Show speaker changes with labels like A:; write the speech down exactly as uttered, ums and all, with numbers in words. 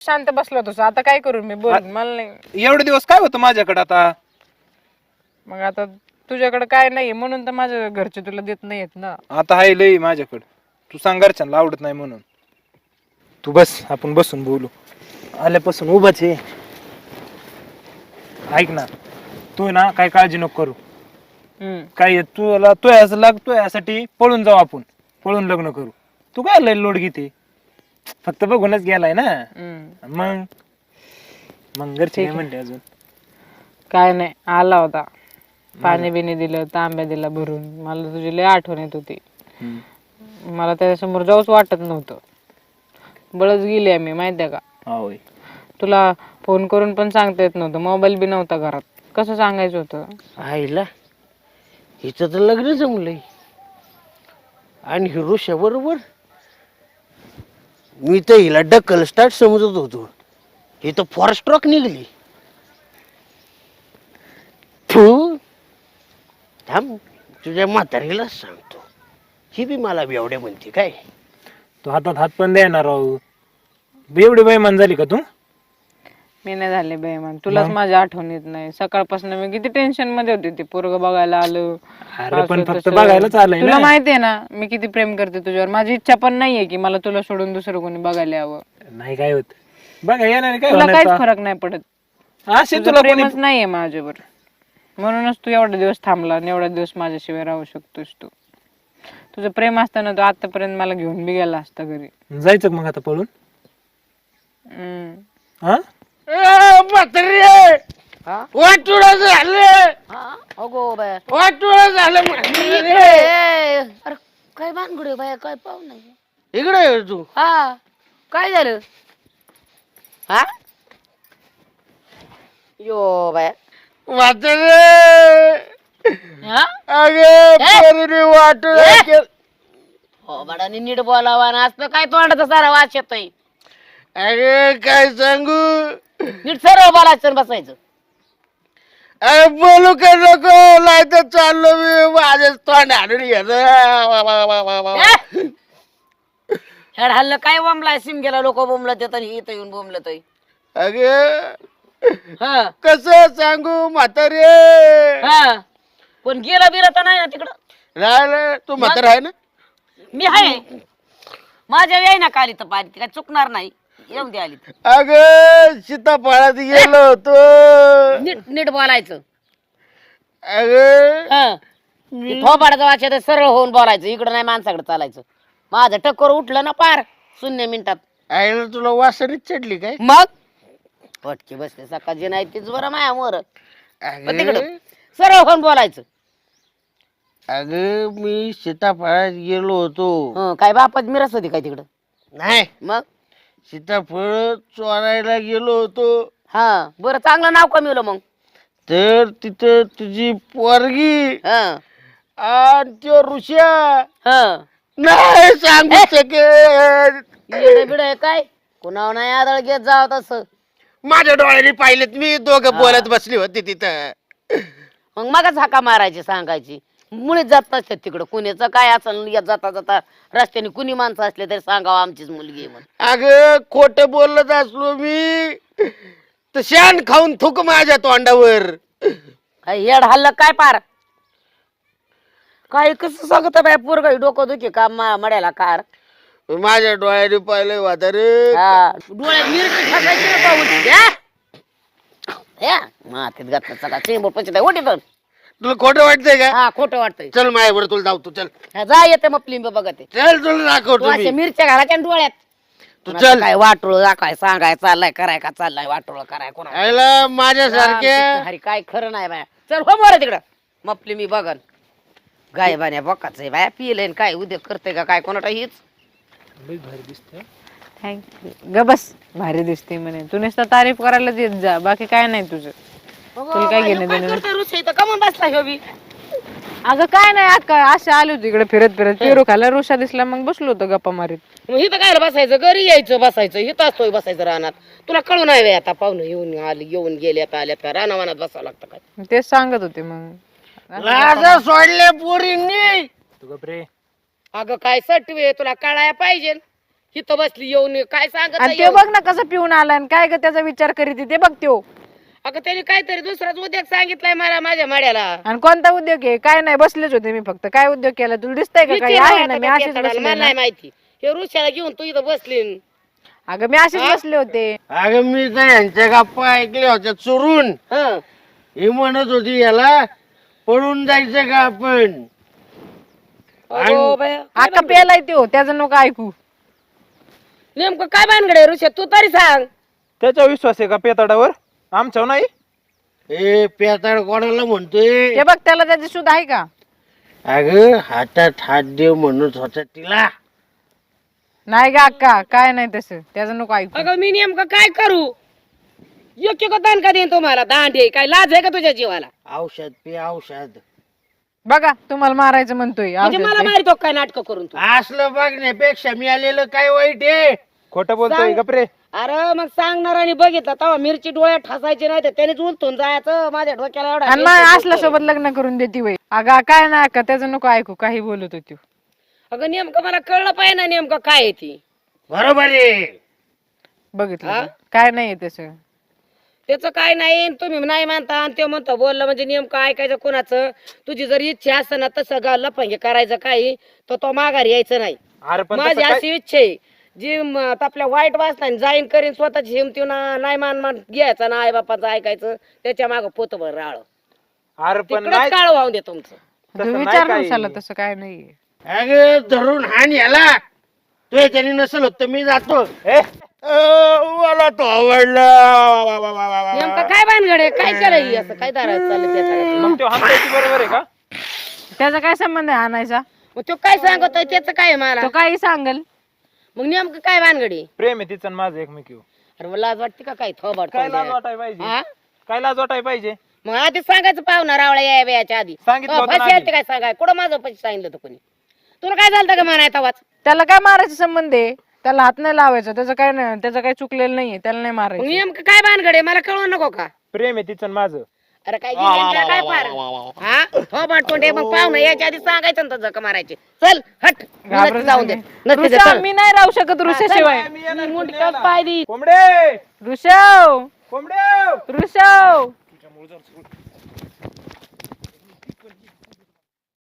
A: शांत बसलो होतो आता काय करू मी बोल मला नाही
B: एवढे दिवस काय होतं माझ्याकडे आता?
A: मग आता तुझ्याकडे काय नाही म्हणून तर माझ्या घरचे तुला देत नाहीयेत ना.
B: आता आहे लई माझ्याकडे. तू सांग घरच्यांना आवडत नाही म्हणून. तू बस आपण बसून बोलू. आल्यापासून उभाच आहे. ऐक ना तू ना काय काळजी नको करू.
A: हम्म
B: काय तुला तू असं लागतोय यासाठी पळून जाऊ आपण. पळून लग्न करू. तू काय लय लोड घेते? फक्त बघूनच गेलाय ना.
A: हम्म
B: मग मग घरचे काय म्हणते अजून?
A: काय नाही आला होता पाणी बिणी दिलं तांब्या दिला भरून मला तुझी लय आठवण येत होती. मला त्याच्यासमोर जाऊच वाटत नव्हतं. बळच गेली आम्ही माहितीये का.
B: होय
A: तुला फोन करून पण सांगता येत नव्हतं मोबाईल बी नव्हता घरात. कसं सांगायचं होतं?
C: आईला हिचं तर लग्न जमलंय आणि हिरोशा बरोबर. मी तर हिला डक्कल स्टार्ट समजत होतो. ही तर फॉरेस्ट ट्रक निघली. तू थांब तुझ्या म्हातारीला सांगतो. ही बी मला बेवड्या म्हणते काय.
B: तू हातात हात पण देणार राहू. एवढी बेईमान झाली का तू?
A: मी नाही झाले बेईमान तुलाच माझी आठवण येत नाही. सकाळपासून मी किती टेन्शन मध्ये होती. ते पोरग बघायला आलं
B: अरे पण फक्त बघायलाच आलंय
A: तुला
B: ना.
A: माहितीये ना मी किती प्रेम करते तुझ्यावर. माझी इच्छा पण नाहीये की मला तुला सोडून दुसरं कोणी बघायला यावं.
B: नाही काय होत बघा येणार काय
A: तुला
B: होणार
A: काहीच
B: आता?
A: फरक नाही पडत.
B: असे
A: तुझं
B: तुला कोणी
A: प्रेमच नाहीये माझ्यावर म्हणूनच तू एवढा दिवस थांबला आणि एवढा दिवस माझ्याशिवाय राहू शकतोस तू. तुझं प्रेम असताना तू आतापर्यंत मला घेऊन बी गेला असता घरी.
B: जायचं का मग आता पळून?
A: हम्म
B: हा
C: म्हातारी वाटुळ झालं.
D: अगो बाया
C: वाटुळ झालं म्हातारी.
D: अरे काय भानगड बाया काय पाहू नाही.
C: इकडे ये तू.
D: हा काय झालं? हा यो बाया
C: म्हातारी
D: हा
C: अगे पोरीने वाटुळ केलं.
D: हो बाडाने नीट बोलावा ना असं काय तोंडाचा सारा वास येतोय.
C: अरे काय सांगू.
D: नीट सरळ बोलायचं बसायचं.
C: अरे बोलू का नको नाही तर चाललो मी माझ्याच तोंड हाडून
D: हेड हल्लं काय बोंबलाय सिम गेला लोक बोंबलत येतात इथं येऊन बोंबलत
C: अगे
D: हा
C: कस सांगू म्हातारे.
D: हा पण गेला बिला तर नाही ना तिकडं.
C: राहिलं तू म्हातारा आहे ना.
D: मी आहे माझ्या याय ना काली तर पाणी काय चुकणार नाही. येऊन दे आली तर.
C: अग सीताफळात गेलो होतो.
D: नीट नीट बोलायचं.
C: अग
D: हा थोबाडाचा वाच येतं सरळ होऊन बोलायचं. इकडं नाही माणसाकडे चालायचं. माझं टक्कर उठलं ना पार शून्य मिनिटात.
C: आईला तुला वासनीच चढली काय.
D: मग पटकी बसते सकाळची नाही तीच बरं माया मोर तिकडं सरळ होऊन बोलायचं.
C: अग मी सीताफळात गेलो होतो.
D: हं, काय बापाच मिरस होती काय तिकडं.
C: नाही
D: मग
C: सीताफळ चोरायला गेलो होतो.
D: हा बरं चांगलं नाव कमीवलं मग.
C: तर तिथं तुझी पोरगी
D: हं,
C: आणि त्यो ऋषा
D: हं.
C: नाही सांगू शकेल.
D: येडं बिडं आहे काय कुणावर नाही आदळ घेत जाव तसं.
C: माझ्या डोळ्याने पाहिलेत मी दोघं बोलत बसली होती तिथं.
D: मग मगच हाका मारायची सांगायची. मुळीच जात नसतात तिकडं कुणीचं काय असेल येत जाता जाता रस्त्याने कुणी माणसं असले तरी सांगावं आमचीच मुलगी आहे म्हणून.
C: अगं खोट बोलत असलो मी तर शान खाऊन थुक माझ्या तोंडावर.
D: काय येड हल्लं काय पार काय कसं सांगत बाय पोरग डोकं दुखी का मा- मड्याला कार.
C: माझ्या डोळ्याने पाहिलंय वातारे.
D: हा, डोळ्यात मिरची टाकायची ना पाहून. या. या, मातीत घातलं सगळा चेंबर पंचत आहे ओटी तर.
C: तुला खोटं वाटतंय का.
D: हा खोटं वाटतंय.
C: चल माझ्यावर तुला जाऊ तू चल.
D: हा, जा येते मग फिल्म बघत आहे.
C: चल तुला
D: तू
C: दाखवतो मी.
D: अशा मिरच्या घालायच्या ना डोळ्यात.
C: तू
D: कोणाचं
C: चल.
D: काय वाटोळ दाखवाय सांगाय चाललाय कराय का चाललाय वाटोळ कराय कोणा
C: आयला माझ्यासारख्या
D: हरी काय खरं नाही बाया. चल हो मोर तिकडं मपली मी बघन गाय बाण्या बकाच आहे बाया पिले काय उद्या करते का काय कोणाला हीच.
A: थँक्यू ग बस भारी दिसते म्हणे. तू नुसतं तारीफ करायला येत जा बाकी काय नाही तुझं. तुला काय घेणं देणं.
D: कमून बसला ह्यो बी.
A: अगं काय नाही अक्का असे आले होते इकडे फिरत फिरत पेरू खायला ऋषा दिसला मग बसलो होतो गप्पा मारीत.
D: मग इथं काय बसायचं घरी यायचं बसायचं इथं असतोय बसायचं रानात. तुला कळू नाही बाई आता पाहुणं येऊन आली येऊन गेल्यात आल्यात का रानावानात बसावं लागतं काय.
A: तेच सांगत होते मग.
C: लाजा सोडले पोरींनी.
B: तू गप रे.
D: अगं काय सटवे तुला कळाया पाहिजे. इथं बसली येऊन काय सांगत
A: आणि
D: आहे
A: ते
D: येऊन?
A: बघ ना कसं पिऊन आला आणि काय ग त्याचा विचार करीत ते बघ त्यो.
D: अगं त्याने काहीतरी दुसराच उद्योग सांगितलाय मला माझ्या माड्याला.
A: आणि कोणता उद्योग आहे? काय नाही, बसलेच होते मी फक्त. काय उद्योग केला तुला दिसतंय का? काही
D: विचार
A: आहे
D: आता
A: ना, मी
D: त्या
A: अशीच
D: पेताडाला,
A: बसले
D: मला
A: ना.
D: नाही माहिती. हे ऋषाला घेऊन तू इथं बसली.
A: अगं मी अशीच बसले होते.
C: अगं मी तर यांच्या गप्पा ऐकल्या होत्या चोरून.
D: हं.
C: ही म्हणत होती याला पळून जायचं का आपण.
D: अगो बाया, काय
A: अक्का पेलाय त्यो, त्याचं नको ऐकू.
D: नेमकं काय भानगडे ऋषा तू तरी सांग.
B: त्याचा विश्वास आहे का पेताडावर? आमच्यावर नाही.
C: ए पेताड कोणाला म्हणतोय.
A: ते बघ त्याला त्याची सुध आहे का?
C: अगं हातात हात देव म्हणत होता तिला.
A: नाही ग अक्का, काय नाही तसं, त्याचं नको ऐकू.
D: अगं मी नेमकं काय करू? योग्य का दान का देईन तुम्हाला? दांडे काय लाज आहे का तुझ्या जीवाला?
C: औषध पे औषध.
A: बघा तुम्हाला मारायचं म्हणतोय.
D: म्हणजे
A: औषध
D: मला
A: ते.
D: मारितो काय नाटक करून तू?
C: असलं बघण्यापेक्षा मी आलेलं काय वाईट आहे.
B: खोटं बोलतोय
D: सांग.
B: गपरे.
D: अरे मग सांगणार आणि बघितलं तेव्हा मिरची डोळ्यात ठासायची नाही तर त्यानेच उलटून जायचं माझ्या डोक्याला एवढा
A: आणि मग असल्या सोबत लग्न करून देते वय. अगं काय नाही अक्का, त्याचं नको ऐकू, काही बोलत होती.
D: अगं नेमकं मला कळलं पाहिजे ना नेमकं काय आहे ती.
C: बरोबर आहे.
A: बघितलं
D: हा?
A: का? काय नाहीये तसं.
D: त्याचं काय नाही तुम्ही नाही मानता आणि ते म्हणतो बोललं म्हणजे नेमकं ऐकायचं कोणाचं. तुझी जर इच्छा असं ना तसं गा लफंगे करायचं काही तर तो माघारी यायचं नाही.
B: अरे पण
D: माझी
B: तसं काय-
D: अशी इच्छा आहे जी म- आता आपल्या वाईट वाचना जाईन करीन स्वतःची हिमती ना नाही मान मान घ्यायचं ना आई बापाचं ऐकायचं त्याच्या माग पोतभर राळ
B: अरे पण
D: तिकडच
B: नाही
D: काळ वाहून दे तुमचं.
B: तसं
A: तू
B: नाही
A: विचार
B: काही.
A: नसाला तसं काय नाहीये.
C: अगं धरून हाण याला. तू याच्याने नसेल होत तर मी जातो.
B: ए,
C: अं, मला तो आवडला. वा, वा, वा, वा, वा.
D: नेमकं काय भानगड आहे? काय केलं असं काय दारात चाललं त्याच्याकडे?
B: मग तो हमसाची बरोबर आहे का?
A: त्याचा काय संबंध आहे आणायचा?
D: मग तो काय सांगतोय त्याचं काय आहे मला?
A: तो काही सांगल.
D: मग नेमकं काय भानगडी?
B: प्रेम आहे तिचं आणि माझं एकमेकीवर.
D: अरे मला लाज वाटते का काय थोबाड
B: काय लाज
D: तोंड्या?
B: वाटाय पाहिजे?
D: हा?
B: काय लाज वाटाय पाहिजे?
D: मग आधी सांगायचं पाहुणा रावळा या याच्या आधी
B: सांगितलं होतं ना
D: पैसे
B: आधी.
D: काय सांगाय कुठं माझं पैसे सांगितलं होतं कोणी? तुला काय झालं का म्हणाय तवाच?
A: त्याला काय मारायचा संबंध आहे? त्याला हात नाही लावायचा, त्याचं काय नाही, त्याचं काही चुकलेलं नाहीये, त्याला नाही
D: मग
A: मारायचं.
D: नेमकं काय भानगड आहे मला कळवू नको का?
B: प्रेम आहे तिचं आणि माझं.
D: अरे काय गेली काय काय फार हा थोबाड तोंडे मग पाहुणा याच्या आधी सांगायचं ना जक मारायचे. चल हट
A: घाबरत
D: नसते जाऊन दे
A: नाही.
D: नसते दे,
A: ऋषभ,
D: चल.
A: मी नाही राहू शकत ऋषाशिवाय.
D: मी मुंडक्यात पाय दी.
B: कोंबडे
A: ऋषभ
B: कोंबडे
A: ऋषभ